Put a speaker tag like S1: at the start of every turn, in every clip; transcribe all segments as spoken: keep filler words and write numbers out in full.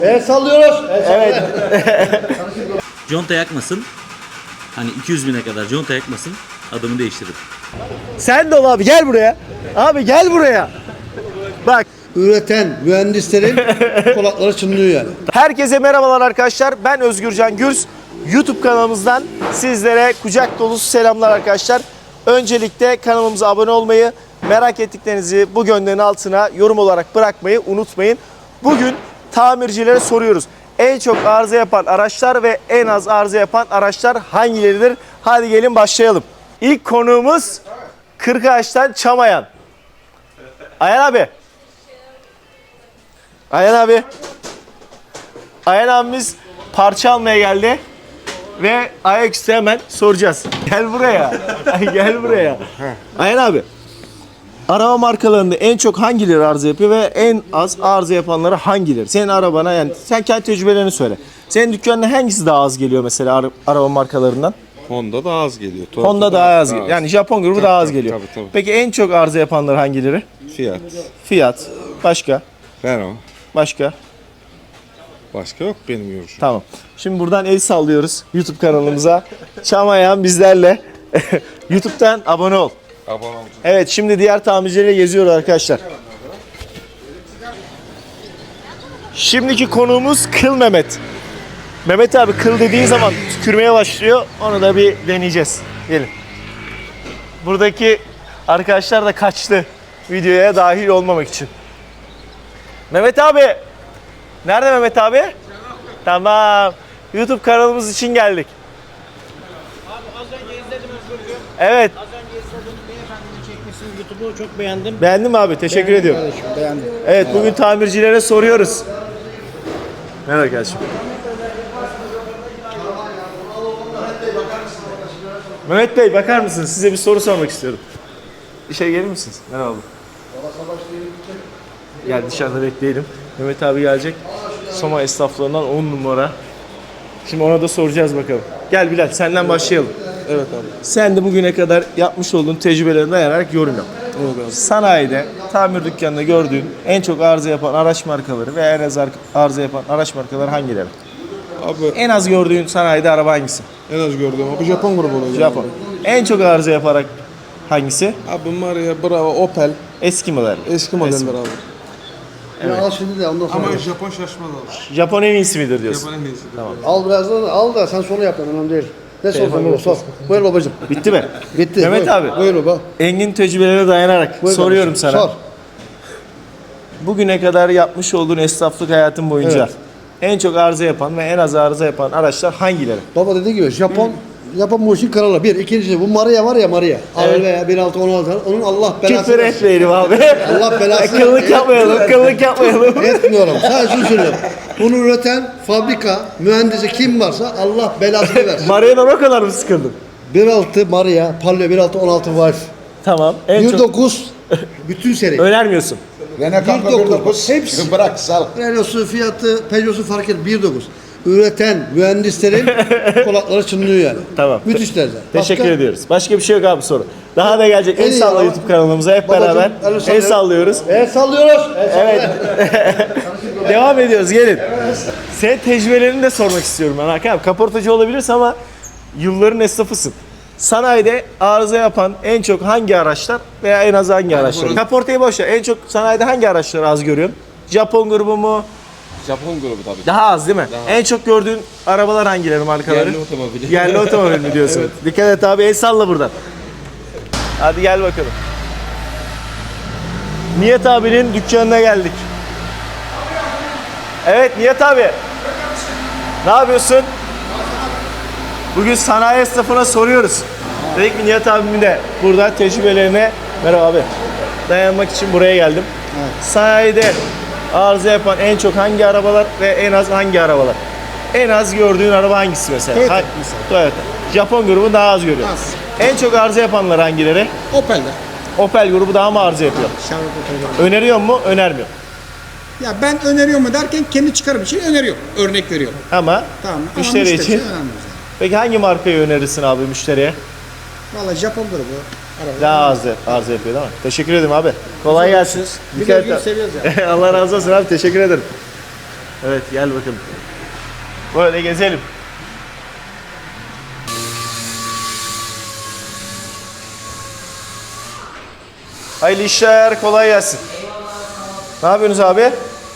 S1: El sallıyoruz. El
S2: Evet.
S3: Conta yakmasın. Hani iki yüz bine kadar conta yakmasın. Adımı değiştiririm.
S2: Sen de ol abi, gel buraya. Abi gel buraya. Bak.
S1: Üreten mühendislerin kulakları çınlıyor yani.
S2: Herkese merhabalar arkadaşlar. Ben Özgürcan Gürs. YouTube kanalımızdan sizlere kucak dolusu selamlar arkadaşlar. Öncelikle kanalımıza abone olmayı, merak ettiklerinizi bu gönderin altına yorum olarak bırakmayı unutmayın. Bugün tamircilere soruyoruz. En çok arıza yapan araçlar ve en az arıza yapan araçlar hangileridir? Hadi gelin başlayalım. İlk konuğumuz Kırkağaç'tan Çamayan. Ayhan abi. Ayhan abi. Ayhan abimiz parça almaya geldi. Ve ayaküstü hemen soracağız. Gel buraya. Gel buraya. Ayhan abi. Araba markalarında en çok hangileri arıza yapıyor ve en az arıza yapanları hangileri? Senin arabana, yani sen kendi tecrübelerini söyle. Senin dükkanına hangisi daha az geliyor mesela ara- araba markalarından?
S4: Honda daha az geliyor. Toyota
S2: Honda daha az geliyor. Yani Japon grubu
S4: Tabii,
S2: daha az
S4: tabii,
S2: geliyor.
S4: tabii, tabii.
S2: Peki en çok arıza yapanları hangileri?
S4: Fiat,
S2: Fiat. Başka?
S4: Renault.
S2: Başka?
S4: Başka yok benim görüşüm.
S2: Tamam. Şimdi buradan el sallıyoruz YouTube kanalımıza. Çamayan bizlerle. YouTube'dan abone ol.
S4: Abone olacağım.
S2: Evet, şimdi diğer tamircileri geziyoruz arkadaşlar. Şimdiki konuğumuz Kıl Mehmet. Mehmet abi, kıl dediğin zaman tükürmeye başlıyor. Onu da bir deneyeceğiz. Gelin. Buradaki arkadaşlar da kaçtı videoya dahil olmamak için. Mehmet abi. Nerede Mehmet abi? Tamam. YouTube kanalımız için geldik.
S5: Abi az önce izledim Özgürcüğüm.
S2: Evet.
S5: Az önce izledim. Beyefendinin çekmesini YouTube'u çok beğendim.
S2: Beğendin mi abi? Teşekkür
S5: Beğendim
S2: ediyorum.
S5: Kardeşim, beğendim.
S2: Evet, bugün tamircilere soruyoruz. Merhaba kardeşim. Mehmet Bey, bakar mısınız? Size bir soru sormak istiyorum. İşe gelir misiniz? Merhaba. Gel dışarıda bekleyelim. Mehmet abi gelecek. Soma esnaflarından on numara. Şimdi ona da soracağız bakalım. Gel Bilal, senden başlayalım.
S4: Evet abi.
S2: Sen de bugüne kadar yapmış olduğun tecrübelerine dayanarak yorum yap. Sanayide, tamir dükkanında gördüğün en çok arıza yapan araç markaları ve en az ar- arıza yapan araç markaları hangileri?
S4: Abi
S2: En az gördüğün sanayide araba hangisi?
S4: en az gördüğüm abi Japon grubu olacak.
S2: Japon. En çok arıza yaparak hangisi?
S4: Abi Maria, Bravo, Opel.
S2: Eski model.
S4: Eski modeller abi.
S1: Ya al şimdi de ondan sonra.
S4: Ama Japon şaşmaz abi.
S2: Japon en iyisi midir diyorsun?
S4: Japon en iyisi.
S2: Tamam.
S1: Al birazdan al da sen sonra yap lan, önemli değil. Ne sorsan baba sor. Buyur babacığım.
S2: Bitti mi?
S1: Bitti.
S2: Mehmet
S1: buyur.
S2: abi.
S1: Buyur baba.
S2: Engin tecrübelerine dayanarak
S1: Buyur
S2: soruyorum
S1: babacığım,
S2: sana.
S1: Sor.
S2: Bugüne kadar yapmış olduğun esnaflık hayatın boyunca
S1: Evet.
S2: en çok arıza yapan ve en az arıza yapan araçlar hangileri?
S1: Baba dediği gibi Japon Japon bu işin kralı. Bir. İkincisi bu Maria var ya Maria.
S2: Evet.
S1: Evet. veya bir altı on altı onun Allah belasını
S2: Küfür
S1: versin.
S2: etmeyelim abi.
S1: Allah belasını
S2: Kıllık yapmayalım, kıllık yapmayalım.
S1: Etmiyorum. Sadece şunu söylüyorum. Bunu üreten fabrika, mühendisi kim varsa Allah belasını versin.
S2: Maria'dan o kadar mı sıkıldın?
S1: bir altı Maria, Palio bir altı on altı Wolf.
S2: Tamam. En
S1: bir
S2: çok
S1: dokuz bütün seri.
S2: önermiyorsun.
S6: Renault
S1: bir
S6: Kappa
S1: dokuz.
S6: bir dokuz.
S1: Hepsi.
S6: Bırak sal.
S1: Renault'su, Fiat'ı, Peugeot'su fark etmez. bir dokuz. Üreten mühendislerin kulakları çınlıyor yani.
S2: Tamam.
S1: Müthişler de.
S2: Teşekkür
S1: Başka?
S2: ediyoruz. Başka bir şey yok abi soru. Daha da gelecek.
S1: En
S2: El
S1: iyi
S2: salla
S1: ya.
S2: YouTube kanalımıza hep
S1: Babacım,
S2: beraber.
S1: el
S2: El
S1: sallıyoruz.
S2: sallıyoruz.
S1: El sallıyoruz.
S2: Evet. Devam ediyoruz. Gelin. Senin tecrübelerini de sormak istiyorum ben Hakan abi. Kaportacı olabilirsin ama yılların esnafısın. Sanayide arıza yapan en çok hangi araçlar veya en az hangi araçlar? Kaportayı boş ver. En çok sanayide hangi araçları az görüyorsun? Japon grubu mu?
S4: Japon grubu tabii.
S2: Daha az değil mi? En çok gördüğün arabalar hangileri, markaları?
S4: Yerli otomobili.
S2: Yerli otomobil mi diyorsun? Dikkat et abi, el salla buradan. Hadi gel bakalım. Nihat abinin dükkanına geldik. Evet Nihat abi. Ne yapıyorsun? Bugün sanayi esnafına soruyoruz. Dedik ki Nihat abimin de burada tecrübelerine, merhaba abi, dayanmak için buraya geldim. Sanayide arıza yapan en çok hangi arabalar ve en az hangi arabalar? En az gördüğün araba hangisi mesela?
S6: Toyota
S2: Ha- Toyota. Japon grubu daha az görüyor.
S6: Az.
S2: En çok arıza yapanlar hangileri?
S6: Opel'de.
S2: Opel grubu daha mı arıza yapıyor?
S6: Şarkı Opel'de.
S2: Öneriyor mu? Önermiyor.
S6: Ya ben öneriyor mu derken kendi çıkarım için öneriyor. Örnek veriyorum.
S2: Ama
S6: Tamam. Ama
S2: müşteri
S6: müşteri
S2: için.
S6: önemli.
S2: Peki hangi markayı önerirsin abi müşteriye?
S6: Valla Japon grubu. Araba.
S2: Daha az arıza yapıyor değil mi? Teşekkür ederim abi. Kolay gelsin.
S6: Biz
S2: Dikkat
S6: Özgür'ü
S2: et.
S6: seviyoruz ya.
S2: Allah razı olsun abi. Teşekkür ederim. Evet gel bakalım. Böyle gezelim. Hayırlı işler, kolay gelsin. Ne yapıyorsunuz abi?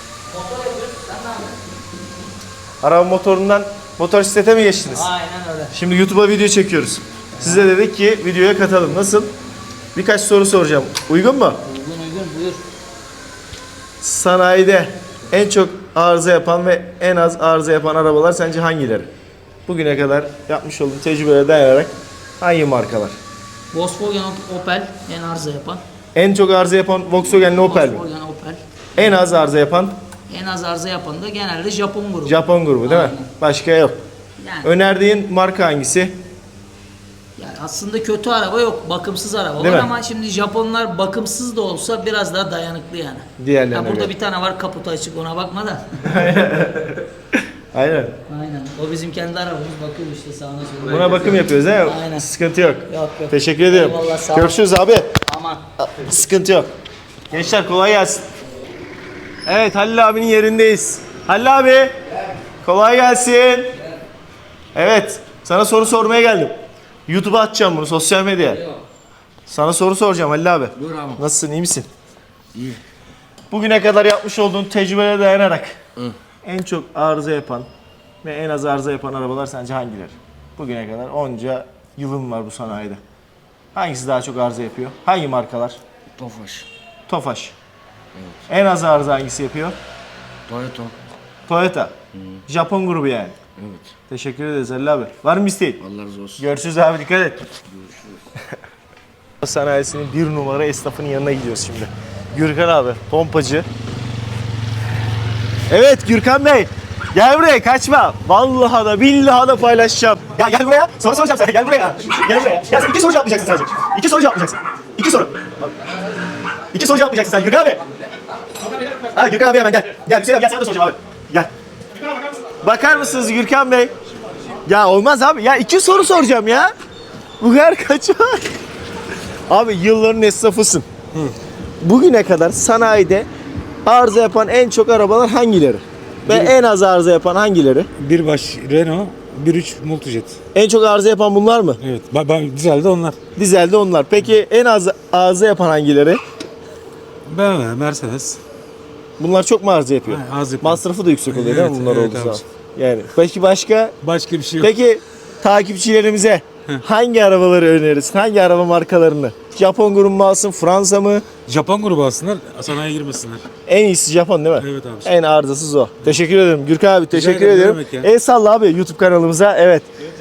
S2: Araba motorundan motosiklete mi geçtiniz?
S5: Aynen öyle.
S2: Şimdi YouTube'a video çekiyoruz. Size dedik ki videoya katalım. Nasıl? Birkaç soru soracağım. Uygun mu?
S5: Uygun uygun buyur.
S2: Sanayide en çok arıza yapan ve en az arıza yapan arabalar sence hangileri? Bugüne kadar yapmış olduğum tecrübelere dayanarak hangi markalar?
S5: Volkswagen Opel en arıza yapan.
S2: En çok arıza yapan Volkswagen Opel mi?
S5: Volkswagen Opel.
S2: En az arıza yapan
S5: En az arıza yapan da genelde Japon grubu.
S2: Japon grubu değil mi?
S5: Aynen.
S2: Başka yok.
S5: Yani,
S2: Önerdiğin marka hangisi?
S5: yani aslında kötü araba yok. Bakımsız araba
S2: Değil
S5: var
S2: mi?
S5: ama şimdi Japonlar bakımsız da olsa biraz daha dayanıklı yani.
S2: Diğerlerine
S5: Ya burada
S2: göre.
S5: bir tane var kaputu açık ona bakma da.
S2: Aynen.
S5: Aynen. O bizim kendi arabamız bakıyor işte sağına soluna.
S2: Buna bakım yapıyoruz değil mi?
S5: Aynen.
S2: Sıkıntı yok.
S5: Yok, yok.
S2: Teşekkür ediyorum.
S5: Eyvallah, sağ ol.
S2: Görüşürüz abi.
S5: Aman.
S2: Sıkıntı yok. Gençler kolay gelsin. Evet Halil abinin yerindeyiz. Halil abi. Kolay gelsin. Evet. Sana soru sormaya geldim. YouTube'a atacağım bunu sosyal medyaya. Sana soru soracağım Halil abi.
S7: Buyur abi.
S2: Nasılsın iyi misin?
S7: İyi.
S2: Bugüne kadar yapmış olduğun tecrübelere dayanarak
S7: Hı.
S2: en çok arıza yapan ve en az arıza yapan arabalar sence hangileri? Bugüne kadar onca yılın var bu sanayide. Hangisi daha çok arıza yapıyor? Hangi markalar?
S7: Tofaş.
S2: Tofaş. En az arıza hangisi yapıyor?
S7: Toyota.
S2: Toyota. Japon grubu yani.
S7: Evet.
S2: Teşekkür ederiz Halil abi. Var mı isteğin?
S7: Allah razı olsun.
S2: Görüşürüz abi dikkat et. Sanayisinin bir numara esnafının yanına gidiyoruz şimdi. Gürkan abi, pompacı. Evet Gürkan Bey. Gel buraya kaçma. Vallahi da billahi da paylaşacağım. Ya gel buraya. Soru soracağım sana. Gel buraya. Gel buraya. Ya sen iki soru cevaplayacaksın sadece. İki soru cevaplayacaksın. İki soru. İki soru cevaplayacaksın sen Gürkan abi. Ha Gürkan abi hemen gel. Gel Hüseyin abi gel sana da soracağım abi. Gel. Bakar mısınız Gürkan Bey? Ya olmaz abi. Ya iki soru soracağım ya. Bu kadar kaçar. Abi yılların esnafısın. Bugüne kadar sanayide arıza yapan en çok arabalar hangileri? Ve en az arıza yapan hangileri?
S8: Bir baş Renault, bir üç Multijet.
S2: En çok arıza yapan bunlar mı?
S8: Evet. Ben, ben dizelde onlar.
S2: Dizelde onlar. Peki en az arıza yapan hangileri?
S8: B M W, Mercedes.
S2: Bunlar çok mu arıza yapıyor?
S8: Ha, az yapıyor.
S2: Masrafı da yüksek oluyor değil mi
S8: Evet,
S2: bunlar
S8: evet
S2: olduğu
S8: abi.
S2: zaman? Yani peki başka?
S8: Başka bir şey yok.
S2: Peki takipçilerimize hangi arabaları önerirsin? Hangi araba markalarını? Japon grubu mu alsın, Fransa mı?
S8: Japon grubu alsınlar, sanayiye girmesinler.
S2: En iyisi Japon değil mi?
S8: Evet abi.
S2: En arızasız o. Teşekkür ederim. Gürkan abi teşekkür
S8: ederim, ne
S2: ediyorum.
S8: demek ya.
S2: El salla abi YouTube kanalımıza. Evet.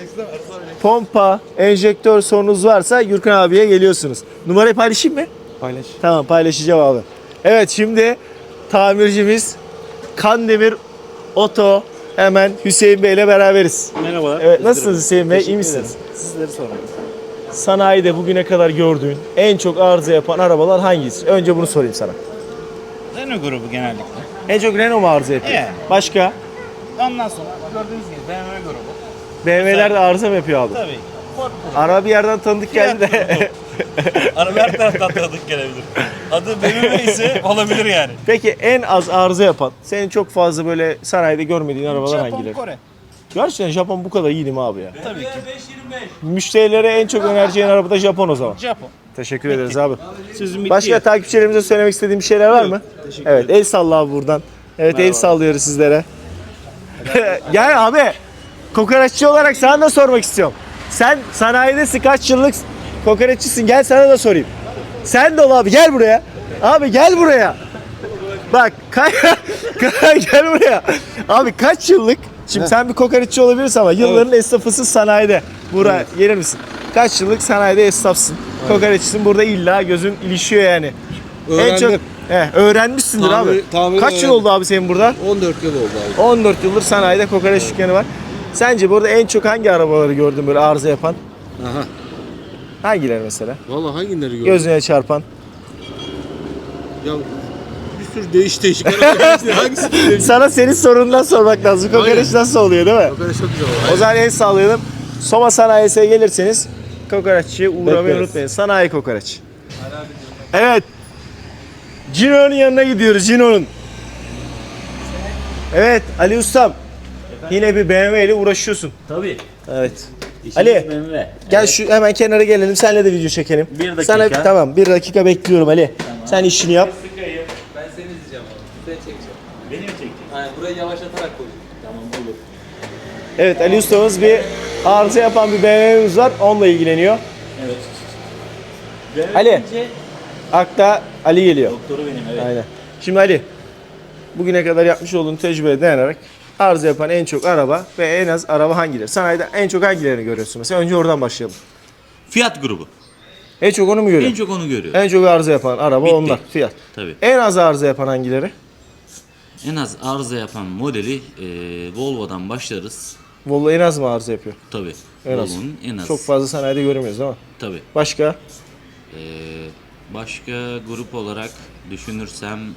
S2: Pompa, enjektör sorunuz varsa Gürkan abiye geliyorsunuz. Numarayı paylaşayım mı?
S8: Paylaş.
S2: Tamam paylaşacağım abi. Evet şimdi tamircimiz Kandemir Oto hemen Hüseyin Bey ile beraberiz.
S9: Merhabalar.
S2: Evet nasılsınız Hüseyin Bey? İyi misiniz?
S9: Sizleri soralım.
S2: Sanayide bugüne kadar gördüğün en çok arıza yapan arabalar hangisi? Önce bunu sorayım sana.
S9: Renault grubu genellikle.
S2: En çok Renault mu arıza yapıyor?
S9: Yani.
S2: Başka?
S9: Ondan sonra gördüğünüz gibi B M W grubu.
S2: B M W'ler de arıza mı yapıyor abi?
S9: Tabii.
S2: Araba bir yerden tanıdık geldi de.
S9: Araba her taraftan tanıdık gelebilir. Adı B M W ise olabilir yani.
S2: Peki en az arıza yapan, senin çok fazla böyle sanayide görmediğin arabalar
S9: Japon,
S2: hangileri?
S9: Kore.
S2: Gerçekten Japon bu kadar iyi değil mi abi ya?
S9: Tabii ki.
S2: Müşterilere en çok önereceğin araba da Japon o zaman.
S9: Japon.
S2: Teşekkür ederiz abi.
S9: Sözüm bitti.
S2: Başka takipçilerimize söylemek istediğim bir şeyler var mı? Evet, el salla abi buradan. Evet, el sallıyoruz sizlere. Gel abi. Kokoreççi olarak sana da sormak istiyorum. Sen sanayidesin, kaç yıllık kokoreççisin? Gel sana da sorayım. Sen de ol abi, gel buraya. Abi gel buraya. Bak, ka- gel buraya. Abi kaç yıllık? Şimdi sen bir kokoreççi olabilirsin ama yılların esnafısın sanayide. Buraya gelir misin? Kaç yıllık sanayide esnafsın? Kokoreççisin, burada illa gözün ilişiyor yani. En çok
S1: Öğrendim.
S2: he, öğrenmişsindir
S1: Tamir-
S2: abi.
S1: tamiri
S2: Kaç yıl
S1: öğrendim.
S2: oldu abi senin burada?
S1: on dört yıl oldu abi.
S2: on dört yıldır sanayide kokoreç dükkanı var. Sence burada en çok hangi arabaları gördün böyle arıza yapan?
S1: Aha.
S2: Hangileri mesela?
S1: Vallahi hangileri gördün?
S2: Gözüne çarpan.
S1: Ya bir sürü değiş değişik araba. Hangisi değişik?
S2: Sana senin sorundan sormak lazım. Kokoreç
S1: Aynen.
S2: nasıl oluyor değil mi?
S1: Kokoreç çok güzel oldu.
S2: O zaman el sallayalım. Soma sanayisine gelirseniz kokoreççiye uğramayı
S1: Bekleriz.
S2: unutmayın. Sanayi kokoreç. Evet. Cino'nun yanına gidiyoruz. Cino'nun. Evet Ali Ustam. Yine bir B M W ile uğraşıyorsun.
S3: Tabii.
S2: Evet.
S3: İşimiz
S2: Ali,
S3: B M W.
S2: Gel
S3: Evet.
S2: şu hemen kenara gelelim. Seninle de video çekelim.
S3: Bir dakika.
S2: Sana, tamam bir dakika bekliyorum Ali. Sen işini yap.
S4: Ben seni izleyeceğim abi. Seni çekeceğim.
S3: Beni mi çekeceksin?
S4: Aynen burayı yavaşlatarak koyacağım.
S3: Tamam olur.
S2: Evet Ali Ustamız bir arıza yapan bir B M W'miz var. Onunla ilgileniyor.
S3: Evet.
S2: Ali. Akta Ali geliyor.
S3: Doktoru benim evet.
S2: Aynen. Şimdi Ali, bugüne kadar yapmış olduğun tecrübeye dayanarak arıza yapan en çok araba ve en az araba hangileri? Sanayide en çok hangilerini görüyorsun mesela? Önce oradan başlayalım.
S3: Fiyat grubu.
S2: En çok onu mu
S3: En
S2: görüyorsun?
S3: çok onu görüyor.
S2: En çok arıza yapan araba
S3: Bitti.
S2: onlar. Fiyat.
S3: Tabii.
S2: En az arıza yapan hangileri?
S3: En az arıza yapan modeli e, Volvo'dan başlarız.
S2: Volvo en az mı arıza yapıyor?
S3: Tabii.
S2: En az.
S3: Volvo'nun en az.
S2: Çok fazla sanayide göremiyoruz ama.
S3: Tabii.
S2: Başka?
S3: E, başka grup olarak düşünürsem hmm,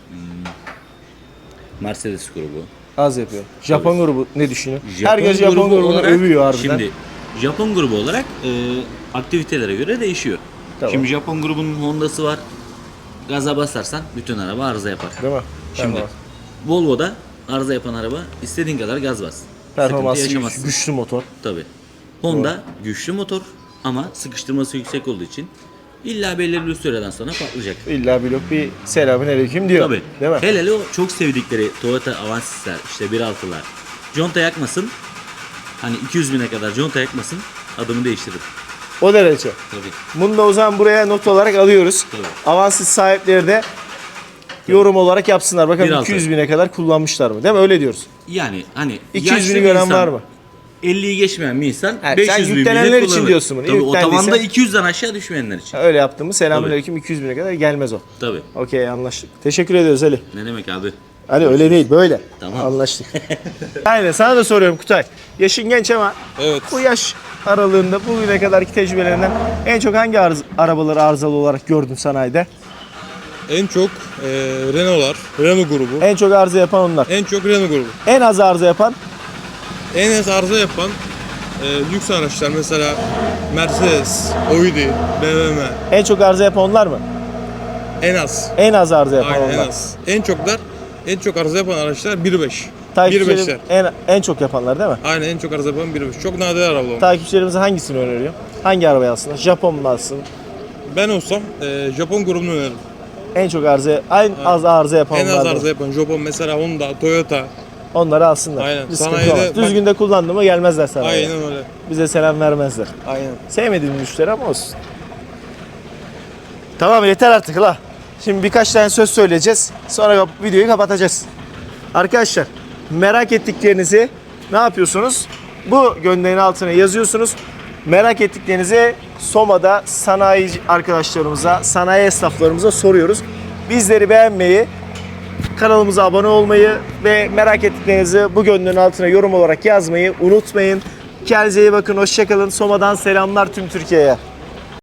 S3: Mercedes grubu.
S2: Az yapıyor. Japon grubu ne düşünüyor?
S3: Japon
S2: Herkes Japon
S3: grubu
S2: grubunu
S3: olarak-
S2: övüyor harbiden.
S3: Şimdi Japon grubu olarak e, aktivitelere göre değişiyor.
S2: Tamam.
S3: Şimdi Japon grubunun Honda'sı var. Gaza basarsan bütün araba arıza yapar.
S2: Değil mi?
S3: Şimdi
S2: Tamam.
S3: Volvo'da arıza yapan araba istediğin kadar gaz bas.
S2: Performansı
S3: Sıkıntı
S2: güç-
S3: yaşamazsın.
S2: güçlü motor.
S3: Tabii. Honda güçlü motor ama sıkıştırması yüksek olduğu için illa belirli bir süreden sonra patlayacak.
S2: İlla blok bir selamünaleyküm diyor.
S3: Tabii.
S2: Değil mi?
S3: Hele hele o çok sevdikleri Toyota Avancis'ler, işte bir altılar. Conta yakmasın. Hani iki yüz bine kadar conta yakmasın. Adımı değiştiririm.
S2: O derece.
S3: Tabii.
S2: Bunu da o zaman buraya not olarak alıyoruz.
S3: Tabii.
S2: Avanssız sahipleri de yorum olarak yapsınlar. Bakalım
S3: Bir altı.
S2: iki yüz bine kadar kullanmışlar mı? Değil mi? Öyle diyoruz.
S3: Yani hani
S2: iki yüz
S3: yaşlı
S2: bini
S3: bir
S2: gören
S3: insan,
S2: var mı?
S3: elliyi geçmeyen bir insan
S2: Evet,
S3: beş
S2: sen
S3: yüz bin
S2: yüklenenler
S3: bile
S2: için
S3: kullanır.
S2: diyorsun bunu.
S3: Tabii
S2: Yüklendiyse-
S3: otobanda iki yüzden aşağı düşmeyenler için.
S2: Öyle yaptığımız selamünaleyküm iki yüz bine kadar gelmez o.
S3: Tabii.
S2: Okey anlaştık. Teşekkür ediyoruz Ali.
S3: Ne demek abi?
S2: Ali öyle değil böyle.
S3: Tamam.
S2: Anlaştık. Aynen sana da soruyorum Kutay. Yaşın genç ama
S4: Evet.
S2: bu yaş aralığında bugüne kadarki tecrübelerinden en çok hangi arız, arabaları arızalı olarak gördün sanayide?
S10: En çok e, Renault'lar, Renault grubu.
S2: En çok arıza yapan onlar.
S10: En çok Renault grubu.
S2: En az arıza yapan
S10: En az arıza yapan e, lüks araçlar mesela Mercedes, Audi, B M W.
S2: en çok arıza yapan onlar mı?
S10: En az.
S2: En az arıza yapan
S10: Aynen en
S2: onlar.
S10: az. En çoklar, en çok arıza yapan araçlar bir beş. bir
S2: Takipçilerim
S10: beşler.
S2: en, en çok yapanlar değil mi?
S10: Aynen en çok arıza yapan bir beş. Çok nadir arabalar.
S2: Takipçilerimize hangisini öneriyor? Hangi arabayı alsınlar? Japon mu alsın?
S10: Ben olsam e, Japon grubunu öneririm.
S2: En çok arıza, en az arıza yapan
S10: En az
S2: onlar değil
S10: arıza
S2: mi?
S10: yapan Japon mesela Honda, Toyota.
S2: Onları alsınlar.
S10: Aynen.
S2: Bir sıkıntı
S10: Sanayide
S2: olmaz.
S10: bak-
S2: Düzgün de kullandı mı gelmezler sana.
S10: Aynen öyle.
S2: Bize selam vermezler.
S10: Aynen.
S2: Sevmediğim müşteri ama olsun. Tamam yeter artık la. Şimdi birkaç tane söz söyleyeceğiz. Sonra kap- videoyu kapatacağız. Arkadaşlar merak ettiklerinizi ne yapıyorsunuz? Bu gönderin altına yazıyorsunuz. Merak ettiklerinizi Soma'da sanayi arkadaşlarımıza, sanayi esnaflarımıza soruyoruz. Bizleri beğenmeyi, kanalımıza abone olmayı ve merak ettiklerinizi bu gönderin altına yorum olarak yazmayı unutmayın. Kendinize iyi bakın, hoşça kalın. Soma'dan selamlar tüm Türkiye'ye.